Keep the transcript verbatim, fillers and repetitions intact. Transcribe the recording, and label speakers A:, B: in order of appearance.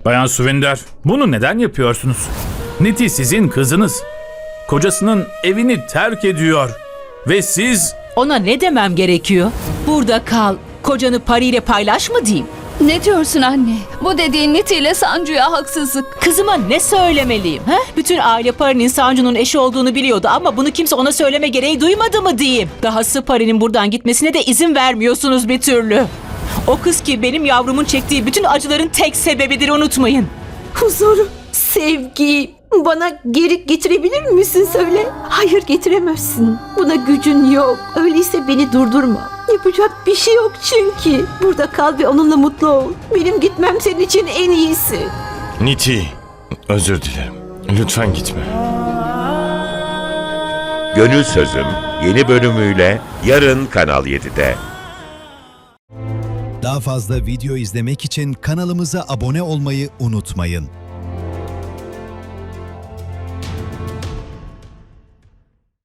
A: Bayan Suvinder, bunu neden yapıyorsunuz? Niti sizin kızınız. Kocasının evini terk ediyor. Ve siz...
B: Ona ne demem gerekiyor? Burada kal, kocanı Pari ile paylaş mı diyeyim?
C: Ne diyorsun anne? Bu dediğin Niti ile Sancu'ya haksızlık.
B: Kızıma ne söylemeliyim? He? Bütün aile Pari'nin Sancu'nun eşi olduğunu biliyordu ama bunu kimse ona söyleme gereği duymadı mı diyeyim? Dahası Pari'nin buradan gitmesine de izin vermiyorsunuz bir türlü. O kız ki benim yavrumun çektiği bütün acıların tek sebebidir, unutmayın.
D: Huzur, sevgi bana geri getirebilir misin söyle? Hayır, getiremezsin. Buna gücün yok. Öyleyse beni durdurma. Yapacak bir şey yok çünkü. Burada kal ve onunla mutlu ol. Benim gitmem senin için en iyisi.
E: Niti, özür dilerim. Lütfen gitme.
F: Gönül Sözüm yeni bölümüyle yarın Kanal yedide.
G: Daha fazla video izlemek için kanalımıza abone olmayı unutmayın.